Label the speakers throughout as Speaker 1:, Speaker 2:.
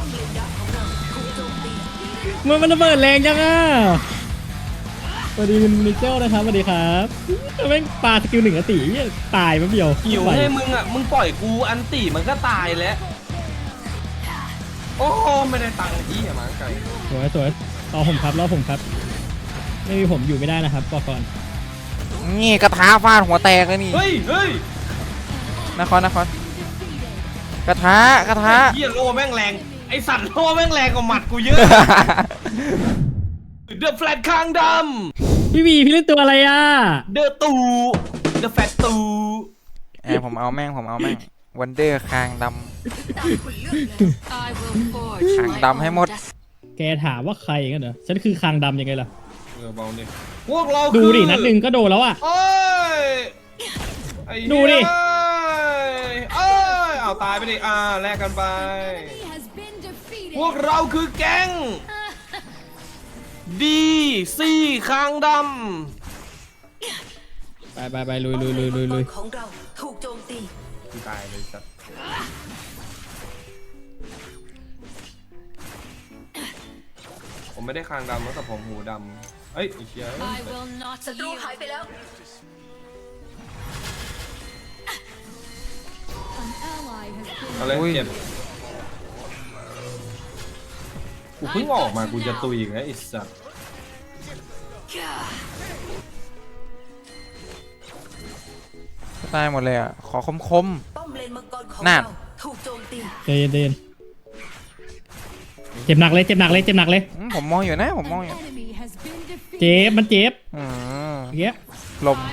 Speaker 1: มันระเบิดแรงจังอ่ะสวัสดีคุณมิเจลนะครับสวัสดีครับแม่งปาสกิลหนึ่งอติตายมั้งเดียว
Speaker 2: หิวให้มึงอ่ะมึงปล่อยกูอันติมันก็ตายแล้วโอ้ไม่ได้ตังค์ที่อย่ามาไกล
Speaker 1: สวยรอผมครับไม่มีผมอยู่ไม่ได้นะครับบอกก่อน
Speaker 3: นี่กระทะฟาดหัวแตกเลยนี่
Speaker 2: เฮ้ย
Speaker 3: นครกระทะ
Speaker 2: เฮียโลแม่งแรงไอสัตว์โลแม่งแรงกว่าหมัดกูเยอะเดอะแฟลตคางด
Speaker 1: พี่วีพี่เล่นตัวอะไรอ่ะ
Speaker 2: ำเดอะตูเดอะแฟลตตู
Speaker 3: ผมเอาแม่งวันเดอร์คางดำคางดำให้หมด
Speaker 1: แกถามว่าใครกันเหรอฉันคือคางดำยังไงล่ะ
Speaker 2: เบาเนี่ยพวกเรา
Speaker 1: ดูดินัดหนึ่งก็โดนแล้วอ่ะ
Speaker 2: โอ้ยไอ้เหี้ย
Speaker 1: ดูดิ
Speaker 2: เอ้ยเอาตายไปดิแลกกันไป พวกเราคือแก๊งดีซี่คางดำ
Speaker 1: ไปลุย
Speaker 4: ของเราถูกโจมตี
Speaker 2: กูตายเลยสัตว์ผมไม่ได้คางดำแล้วแต่ผมหูดำเอ้ยไอ้เชี่ย
Speaker 4: ศัตรูหายไปแล้ว
Speaker 2: อะไร
Speaker 3: อุ้ย
Speaker 2: เจ็บกูเพิ่งออกมากูจะตุยอีกแล้วไอ้สัตว์
Speaker 3: ตายหมดเลยอ่ะขอคม
Speaker 4: ป้อมเลนมังกรของ
Speaker 3: นั่น
Speaker 4: เราถูกโจมตี
Speaker 1: เย็นเจ็บหนักเลย
Speaker 3: ผมมองอยู่นะผมมองอยู่
Speaker 1: เจ็บมันเจ็บ
Speaker 3: อืม
Speaker 1: เงี้ย
Speaker 3: ลม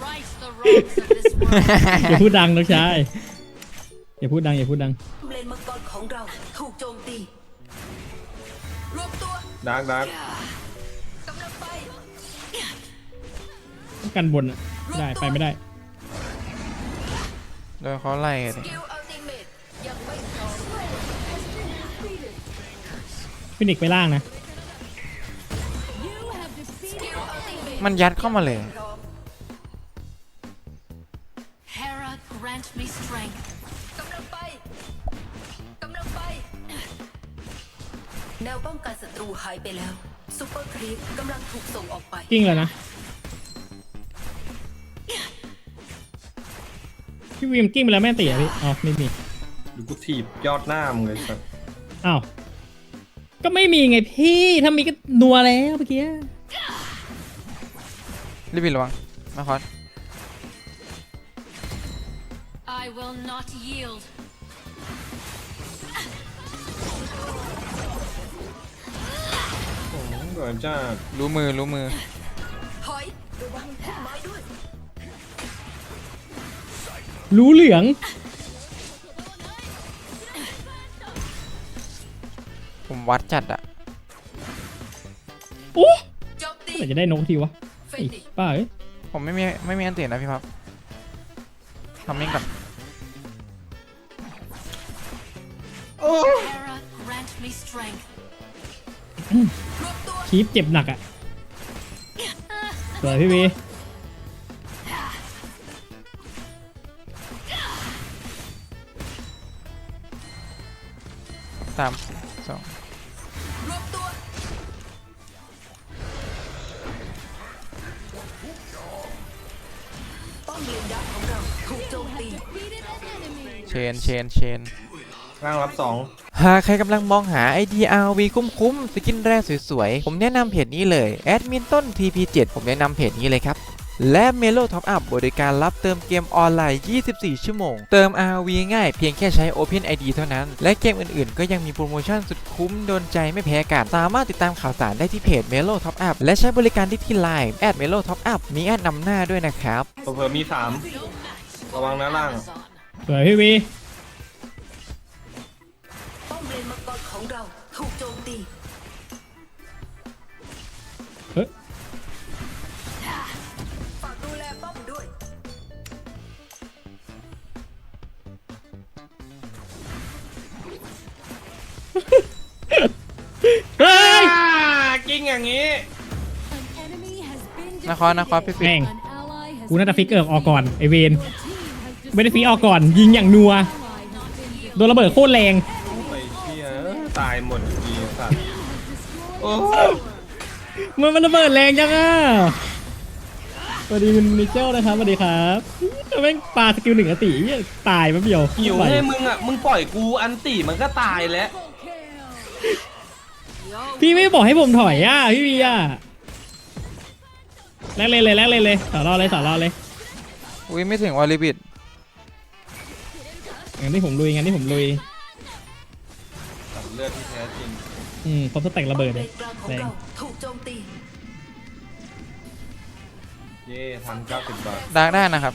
Speaker 1: อย่าพูดดังน้องชายอย่าพูดดัง
Speaker 4: ป้อมเลนมังกรของเราถูกโจมตีรวมตัว
Speaker 2: ดาร์ก
Speaker 4: กำลังไป
Speaker 1: ต้องกันบนอ่ะไม่ได้ไปไม่ได้
Speaker 3: โดนเขาไล่เลย
Speaker 4: กิลอัลติเมทยังไม่พร้อม
Speaker 1: ฟินิกไปล่างนะ
Speaker 4: กิลอัลติเมท
Speaker 3: มันยัดเข้ามาเลย
Speaker 4: พร้อม
Speaker 5: Hera, grant me strength.
Speaker 4: กำลังไปแนวป้องกันศัตรูหายไปแล้วซูเปอร์ครีปกำลังถูกส่งออกไป
Speaker 1: กิ้งเลยนะพี่วีมกิ้งไปแล้วแม่ตีอ่ะพี่อ๋อไม่มี
Speaker 2: ดูกูถีบยอดหน้ามึงเลยสัตว์
Speaker 1: อ้าวก็ไม่มีไงพี่ถ้ามีก็นัวแล้วเมื่อกี้
Speaker 3: รีบระวังนคร
Speaker 5: I will not yield.
Speaker 2: โอ้โหเกิดจ้า
Speaker 3: รู้มือ
Speaker 4: ถอยระวังพุ่มไม้ด้วย
Speaker 1: รู้เหลือง
Speaker 3: ผมวัดจัดอ่ะ
Speaker 1: โอ้
Speaker 4: โจมตี
Speaker 1: เมื่อไหร่จะได้นกทีวะ
Speaker 4: เฟ
Speaker 1: ไอ้
Speaker 4: ติ
Speaker 1: ป้าเอ้ย
Speaker 3: ผมไม่มีอันเตียนนะพี่พับทำมิ่งก่อน
Speaker 5: Hera, grant me strength.
Speaker 4: รวมตัว
Speaker 1: คีปเจ็บหนักอ่ะสวยพี่วี
Speaker 3: 3 2
Speaker 4: รวมตัวป้อมเลนดักของเราถูกโจมตี
Speaker 3: เชน
Speaker 2: ร่างรับสอง
Speaker 3: หากใครกำลังมองหา IDRV คุ้มๆ สกินแรกสวยๆ ผมแนะนำเพจนี้เลยแอดมินต้น TP7 ผมแนะนำเพจนี้เลยครับ และ Melo Top Up บริการรับเติมเกมออนไลน์ 24 ชั่วโมง เติม RV ง่ายเพียงแค่ใช้ Open ID เท่านั้น และเกมอื่นๆ ก็ยังมีโปรโมชั่นสุดคุ้มโดนใจไม่แพ้กัน สามารถติดตามข่าวสารได้ที่เพจ Melo Top Up และใช้บริการที่ Line @Melo Top Up มีแอดนำหน้าด้วยนะครับ
Speaker 2: เผื่อมี3ระวังนะล่าง
Speaker 1: สวยพี่วี
Speaker 4: ป้อมเลนมังกรของเราถูกโจมตี
Speaker 1: เฮ้ย
Speaker 4: ฝากดูแลป้อมด้วย
Speaker 1: เฮ้ย
Speaker 2: กิ้งอย่างนี้
Speaker 3: นครพี่
Speaker 1: แม่งกูน่าจะฟิกออกก่อนไอเวนไม่ได้ฟิกออกก่อนยิงอย่างนัวโดนระเบิดโคตรแรง
Speaker 2: ไปเชี่ยตายหมดทีสัตว์โอ้
Speaker 1: มันระเบิดแรงจังอ่ะสวัสดีคุณมิเชลนะครับสวัสดีครับแม่งปาสกิล1 อติเหี้ยตายแป๊บเดียว
Speaker 2: หิวให้มึงอ่ะมึงปล่อยกูอันตีมันก็ตายแล้ว
Speaker 1: พี่ไม่บอกให้ผมถอยอ่ะพี่วีอ่ะแลกเลยสอรอเลย
Speaker 3: อุ้ยไม่ถึงวอลลิบิด
Speaker 1: งั้นที่ผมลุย
Speaker 2: ตัดเลือดที่แท้จริง
Speaker 1: ครบสแต็กระเบิด
Speaker 4: เล
Speaker 1: เลย
Speaker 4: นกลางของ
Speaker 1: แรง
Speaker 4: เราถูกโจมตี
Speaker 2: เย่ทัน90 บาท
Speaker 3: ดาร์กได้นะครับ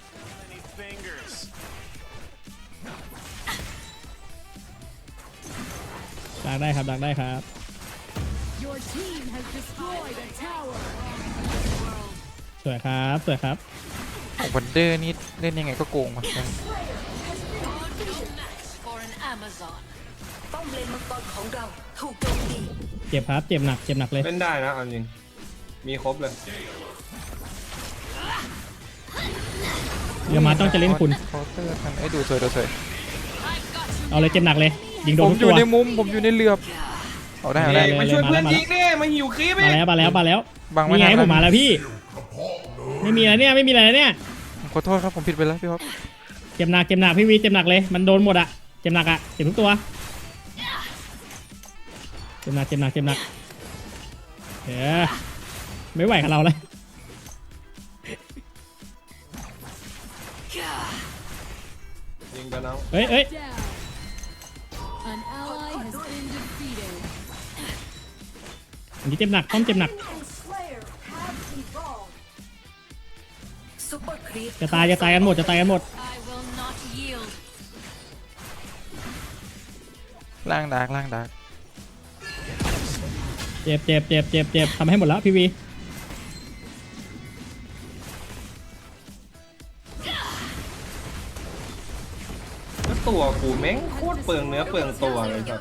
Speaker 1: ดักได้ครับ
Speaker 6: Your team has destroyed a tower.
Speaker 1: สวยครับ
Speaker 3: ของวันเดอร์นี่เล่นยังไงก็โกงว่ะ
Speaker 5: match for an Amazon.
Speaker 4: ป้อมเลนมังกรของเราถูกโจมตี
Speaker 1: เจ็บครับ เจ็บหนักเลย
Speaker 2: เล่นได้นะเอาจริงมีครบเลย
Speaker 1: เดี๋ยวมาต้องจะเล่นคุณ
Speaker 3: เคาน์เตอร์ทันไอ้ดูสวย
Speaker 5: I've got you.
Speaker 1: เอาเลยเจ็บหนักเลย ยิงโด
Speaker 3: ผ
Speaker 1: น
Speaker 3: ม
Speaker 1: ทุก
Speaker 3: อ
Speaker 1: ตัว
Speaker 3: ยู่ในมุมผมอยู่ในเรือบเอาได้
Speaker 2: เฮ้ย
Speaker 1: เลย
Speaker 2: มาช่วยเพื่อน
Speaker 1: มาแล้ว
Speaker 2: ยิงดิมาหิวคลิปอีก
Speaker 1: มาแล้ว
Speaker 3: บังไม่
Speaker 1: นี่ไง
Speaker 3: ทัน
Speaker 1: ผมมาแล้วพี่ ไม่มีอะไรเนี่ย
Speaker 3: ขอโทษครับผมผิดไปแล้วพี่ครับ
Speaker 1: เจ็บหนักพี่วีเจ็บหนักเลย มันโดนหมดอะเจ็บหนักอะเจ็บทุกตัวเจ็บหนักไม่ไหวกับเราเลย
Speaker 2: ยิงกันน้อง
Speaker 1: เอ้ย
Speaker 6: Down. An ally has been defeated.
Speaker 1: อันนี้เจ็บหนักป้อมเจ็บหนัก
Speaker 4: ซุปเปอร์ครีป
Speaker 1: จะตายกันหมด
Speaker 5: I will not yield.
Speaker 3: ล่างดาร์ก
Speaker 1: เจ็บทำให้หมดแล้วพี่วี
Speaker 2: แล้วตัวกูแม่งโคตรเปลืองเนื้อเปลืองตัวเลยครับ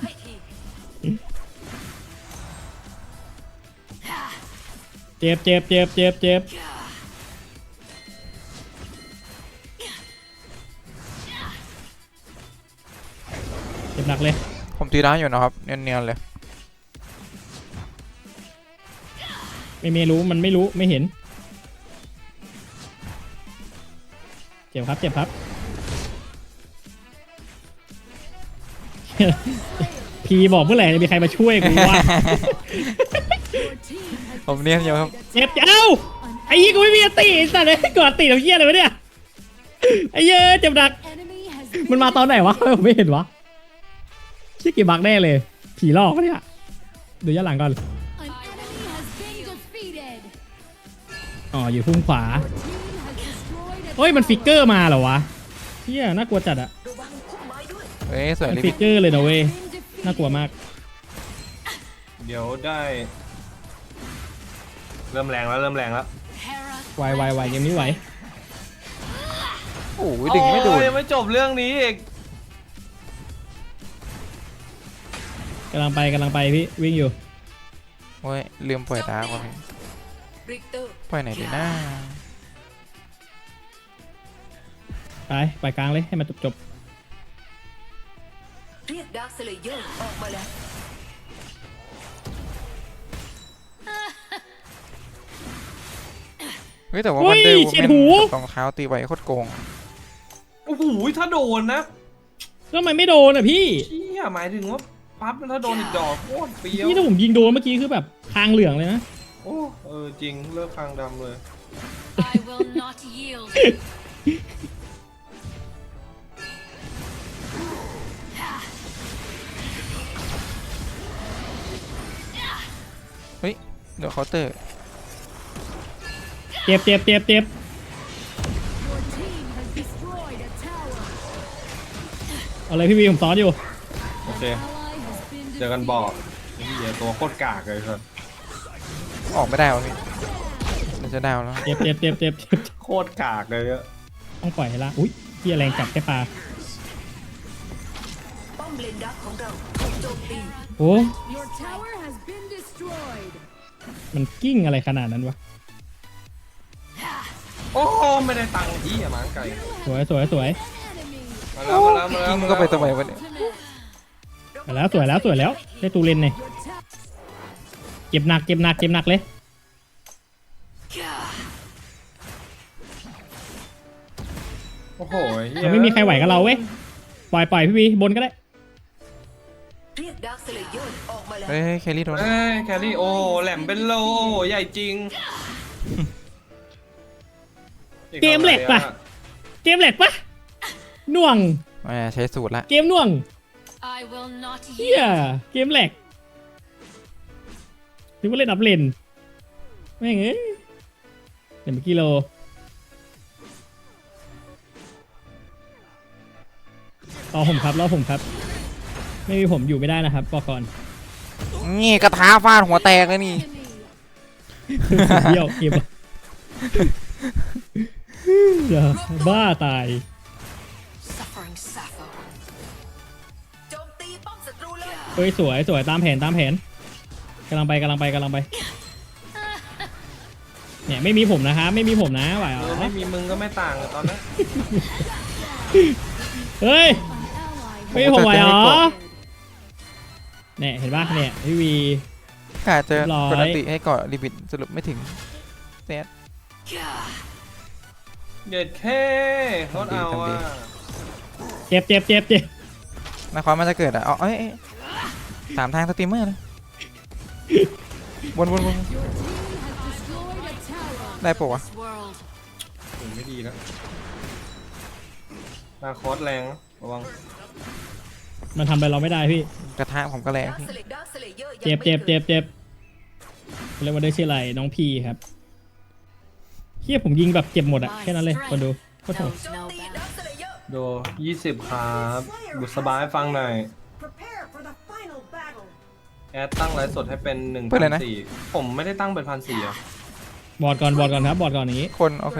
Speaker 1: เจ็บเจ็บหนักเลย
Speaker 3: ผมตีร้านอยู่นะครับเนียนๆเลย
Speaker 1: ไม่รู้มันไม่รู้ไม่เห็น เจ็บครับ พีบอกเมื่อไหร่จะมีใครมาช่วยกูวะ
Speaker 6: Your team has
Speaker 3: ผมเนียนอยู่ครับ
Speaker 1: เจ็บเอ้าไอ้ยี่กูไม่มีอติไอ้สัตว์เลยกอดติดเอาเหี้ยอะไรวะเนี่ยไอ้เหี้ยเจ็บหนัก
Speaker 6: enemy has
Speaker 1: มันมาตอนไหนวะผมไม่เห็นวะชื่อกี่บักแน่เลย ผีหลอกปะเนี่ยดูย้อนหลังก่อน
Speaker 6: an enemy has been defeated.
Speaker 1: อ๋ออยู่พุ่มขวา
Speaker 6: Team has destroyed a
Speaker 1: เฮ้ยมันฟิกเกอร์มาเหรอวะเหี้ยน่ากลัวจัดอะ
Speaker 4: ระวังพุ่มไม้ด้วย
Speaker 3: เฮ้ยสวย
Speaker 1: มัน
Speaker 3: ลิ
Speaker 1: ฟิ
Speaker 3: บิ
Speaker 1: ก
Speaker 3: ด
Speaker 1: เกอร์เลยนะเว้ย
Speaker 6: been defeated.
Speaker 1: น่ากลัวมาก
Speaker 2: เดี๋ยวได้เริ่มแรงแล้ว
Speaker 5: Hera
Speaker 1: ไวยังไม่ไหว
Speaker 3: โอ้ยดึงไม่โดน
Speaker 2: โอ้ยยังไม่จบเรื่องนี้อีก
Speaker 1: กำลังไปพี่วิ่งอยู่
Speaker 3: โอ้ยลืมปล่อยดาร์กว่ะพี่
Speaker 4: ริกเตอร์
Speaker 3: ปล่อยไหนดีนะ
Speaker 1: ไปกลางเลยให้มันจบ
Speaker 4: เรียกดาร์คสเลเยอร์ออกมาแล้ว
Speaker 3: เฮ้ยแต่ว่าวันเดอร์วูแมนรองเท้าตีไว้โคตรโกง
Speaker 2: โอ้โหถ้าโดนนะ
Speaker 1: แล้วทำไมไม่โดนอ่ะพี่
Speaker 2: เชี่ยหมายถึงว่าปั๊บถ้าโดนอีกดอกโคตรเปรี้ยว
Speaker 1: นี่ถ้าผมยิงโดนเมื่อกี้คือแบบทางเหลืองเลยนะ
Speaker 2: โอ้จริงเลิกคางดำเลย
Speaker 5: I will not yield.
Speaker 3: เฮ้ยเดี๋ยวเคาน์เตอร์
Speaker 1: เจ็บ
Speaker 6: Your team has destroyed a tower.
Speaker 1: เอาเลยพี่วีผมซ้อนอยู่
Speaker 2: โอเค
Speaker 6: Ally has been
Speaker 2: เจอกัน
Speaker 6: defeated.
Speaker 2: บอกเหี้ยตัวโคตรกากเลยครับ
Speaker 3: ออกไม่ได้วะพี่มันจะดาวแล้ว
Speaker 1: เจ็บ
Speaker 2: โคตรกากเลยอะ
Speaker 1: ต้องปล่อยให้ละอุ้ยพี่แรงจับแค่ปลา
Speaker 4: ป้อมเลนดาร์กของเราถูกโจมตี
Speaker 1: โอ้
Speaker 6: Your tower has been destroyed.
Speaker 1: มันกิ้งอะไรขนาดนั้นวะ
Speaker 2: โอ้ไม่ได้ตังค์ที่หมาไก่
Speaker 1: สวย
Speaker 6: Enemy.
Speaker 2: มาแล้ว
Speaker 3: กิ้งก็ไปทำไมวะเนี่ย
Speaker 6: Ultimate.
Speaker 1: สวยแล้วสวยแล้วสวยแล้วได้ตูเลนเนี่ยเจ็บหนักเจ็บหนักเจ็บหนักเลย
Speaker 2: โอ้โหเหี้ย
Speaker 1: มันไม่มีใครไหวกับเราเว้ยปล่อยพี่วีบนก็ได้
Speaker 4: เรียกดาร์คสเลเยอร์ออกมาแล้ว
Speaker 3: เฮ้ยแครี่โดน
Speaker 2: เอ้ยแครี่โอ้แหลมเป็นโลใหญ่จริง
Speaker 1: เกมเหล็กปะเกมเหล็กปะหน่วง
Speaker 3: ใช้สูตรละ
Speaker 1: เกมหน่วง
Speaker 5: I will not
Speaker 1: เฮีย
Speaker 5: yield.
Speaker 1: เกมเหล็กนึกว่าเล่นอัพเลนแม่งเอ้ยเดี๋ยวเมื่อกี้โลรอผมครับรอผมครับ ไม่มีผมอยู่ไม่ได้นะครับบอกก่อน
Speaker 3: นี่กระทาฟาดหัวแตกเลยนี่
Speaker 1: เดี่ยวเกมอะอย่าบ้าตาย
Speaker 5: Suffering Sappho.
Speaker 4: โจมตีป้อมศัตรูเลย
Speaker 1: เฮ้ยสวยสวยตามแผนตามแผนกำลังไปกำลังไปกำลังไปเนี่ยไม่มีผมนะครับไม่มีผมนะไหวเหรอ
Speaker 2: ไม่มีมึงก็ไม่ต่างเลยตอนนี้
Speaker 1: เฮ้ย
Speaker 6: An ally
Speaker 1: ไม่มีผมไหวเหรอเนี่ยเห็นป่ะเนี่ยพี่วี
Speaker 3: กาจะ
Speaker 1: เรียบร้อย
Speaker 3: กดอันติให้เกาะลิมิตสรุปไม่ถึงเซต
Speaker 2: เด็ดแค่รถเอา
Speaker 3: ทำดี
Speaker 2: อ่ะ
Speaker 1: เจ็บเจ็บเจ็บเจ็บ
Speaker 3: นาคอมันจะเกิดอ่ะเอาสามทางสตรีมเมอร์นะวน
Speaker 6: has destroyed a tower.
Speaker 3: ได้ปะวะ
Speaker 5: This world.
Speaker 2: โอ้ไม่ดีแล้วนาคอสแรงนะระวัง
Speaker 1: มันทำอะไรเราไม่ได้พี่
Speaker 3: กระทะผมก็แรง
Speaker 4: ดาร์ค
Speaker 3: พี่
Speaker 4: สเลเยอร์
Speaker 1: เจ็บเจ็บเจ็บเจ็บเรียกว่าได้ชื่ออะไรน้องพีครับเฮียผมยิงแบบเจ็บหมดอะแค่นั้นเลยคนดูโคตรโหด
Speaker 5: Knows
Speaker 4: โจม
Speaker 5: no
Speaker 4: ตี
Speaker 5: bounds.
Speaker 4: ดาร์คสเลเยอร์
Speaker 2: โด20ครับบุษบายฟังหน่อย
Speaker 4: Prepare for the final battle
Speaker 2: แอดตั้งไลฟ์สดให้เป็น
Speaker 3: เปิดเลยนะ
Speaker 2: 1,400ผมไม่ได้ตั้งเป็น1,400อ่ะ
Speaker 1: บอร์ดก่อนครับบอร์ดก่อนอย่างงี้
Speaker 3: คนโอเค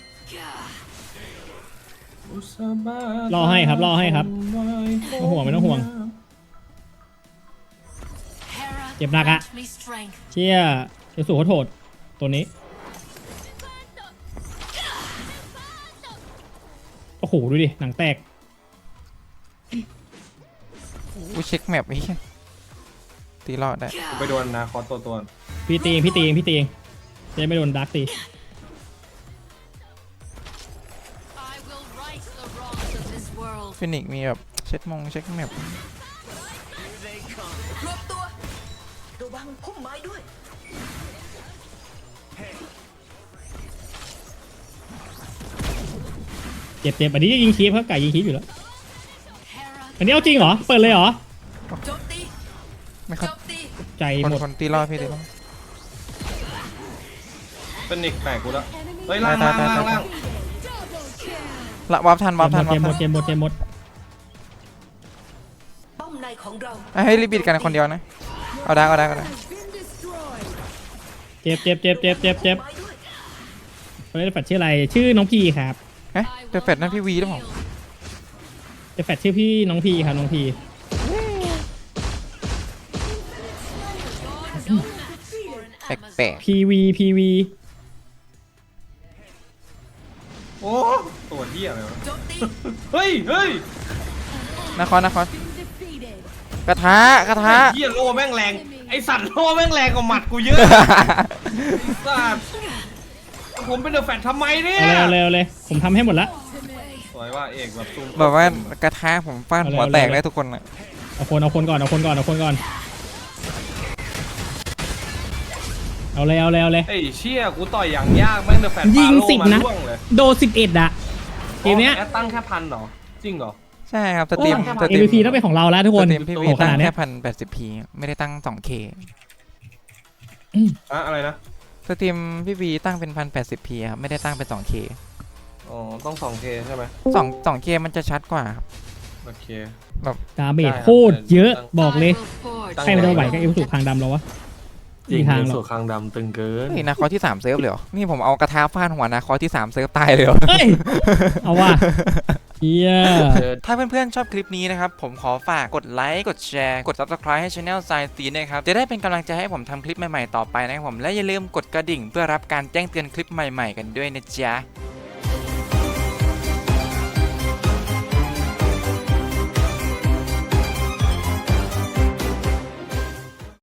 Speaker 1: รอให้ครับรอให้ครับไม่ต้องห่วงไม่ต้องห่วง
Speaker 5: Hera,
Speaker 1: Chẹp nặng ạ.
Speaker 5: grant me strength.
Speaker 1: เชี่ยเดี๋ยวสู่โหดตัวนี้โอ้โหดูดิหนังแตก
Speaker 3: กูเช็คแมปไอ้เหี้ยตีรอดได้
Speaker 2: ไปโดนนาคอสตัว
Speaker 1: พี่ตีเองจะได้ไม่โดนดักตี
Speaker 5: I will right the wrongs of this world.
Speaker 3: ฟินิกมีแบบเช็คแมป
Speaker 4: รวมตัวระวังพุ่มไม้ด้วย
Speaker 1: เจ็บอันนี้ยิงคีฟครับไก่ยิงคีฟอยู่แล้ว
Speaker 5: Hera,
Speaker 1: อันนี้เอาจริงเหรอเปิดเลยเหรอ
Speaker 4: โจมตี
Speaker 3: ไม่ครั
Speaker 4: โจ
Speaker 3: บ
Speaker 4: มตี
Speaker 1: ใจ
Speaker 3: คน
Speaker 1: หมด
Speaker 3: ตีรอดพี่ตีรอด
Speaker 2: ๆเป็นนิกแตกกูแล้วเฮ้ย
Speaker 6: Enemy
Speaker 2: ล่าง
Speaker 3: ตาย
Speaker 2: ล่างล่าง
Speaker 6: double kill.
Speaker 3: ละวาร์ปทัน
Speaker 1: เจ็บหมด
Speaker 4: ป้อมในของเรา
Speaker 3: ให้รีบิดกันคนเดียวนะเอาได้
Speaker 6: Has been destroyed.
Speaker 1: เจ็บ
Speaker 4: ไม้ด้วย
Speaker 1: คนนี้แฟดชื่ออะไรชื่อน้องพีครับ
Speaker 3: เอ๊ะเดอะแฟดนั่นพี่วีหรือเปล่า
Speaker 1: จะแฟดชื่อพี่น้องพีครับน้องพี
Speaker 5: no match for an
Speaker 3: แปล
Speaker 5: Amazon.
Speaker 3: ก
Speaker 1: พีวี
Speaker 2: โอ้ตัวเหี้ยอะไรวะ
Speaker 4: โจมตี
Speaker 2: เฮ้ย
Speaker 3: ๆนคร
Speaker 6: Been defeated.
Speaker 3: กระทะ
Speaker 2: เหี้ยโลแม่งแรงไอสัตว์โลแม่งแรงกว่าหมัดกูเยอะสัตว์ผมเป็นเดอะแฟตทำไมเนี่ย
Speaker 1: เอาเลยผมทำให้หมดละ
Speaker 2: สวยว่าเอกแบบซูม
Speaker 3: แบบว่ากระทะผมฟาดหัวแตกได้ทุกคนอ่ะ
Speaker 1: เอาคนก่อนเอาเลย
Speaker 2: ไอ้เชี่ยกูต่อยอย่างยากแม่งเดอะแฟต
Speaker 1: ยิง
Speaker 2: ปาโล่
Speaker 1: 10
Speaker 2: มา
Speaker 1: นะ
Speaker 2: ล่วงเลย
Speaker 1: โดน11อะเกมเนี้ย
Speaker 2: แอดตั้งแค่1,000เหรอจริงเหรอ
Speaker 3: ใช่ครับสตรีม
Speaker 1: MVP ต้องเป็นของเราแล้วทุกคน
Speaker 3: สตรีมพี่วี
Speaker 1: โอ้ข
Speaker 3: ตั้ง
Speaker 1: นาดเนี้
Speaker 3: แค่
Speaker 1: ย
Speaker 3: 1,080p ไม่ได้ตั้ง 2k
Speaker 2: อะไรนะ
Speaker 3: สตรีมพี่วีตั้งเป็น 1080p ครับไม่ได้ตั้งเป็น 2k
Speaker 2: อ๋อต้อง 2K ใช่ไหม
Speaker 3: 2k มันจะชัดกว่าครับ
Speaker 2: โอเค
Speaker 1: ดาเมจโคตรเยอะบอกเลย
Speaker 5: I will forge
Speaker 1: ใครมันจะไหวกับเอฟสุคางดำเราวะ
Speaker 2: จริง
Speaker 1: มีทาง
Speaker 2: เป็น
Speaker 1: หร
Speaker 2: สู
Speaker 1: อ
Speaker 2: ตรคางดำตึงเกิน
Speaker 3: นี่นาคอที่3เซิร์ฟเลยเหรอนี่ผมเอากระทะฟาดหัวนาคอที่3เซิร์ฟตายเลยเหรอ
Speaker 1: เฮ้ยเอาว่ะเฮีย
Speaker 3: ถ้าเพื่อนๆชอบคลิปนี้นะครับ ผมขอฝากกดไลค์ กดแชร์ กด Subscribe ให้ Channel Science นะครับ จะได้เป็นกำลังใจให้ผมทำคลิปใหม่ๆต่อไปนะครับผม และอย่าลืมกดกระดิ่งเพื่อรับการแจ้งเตือนคลิปใหม่ๆกันด้วยนะจ๊ะ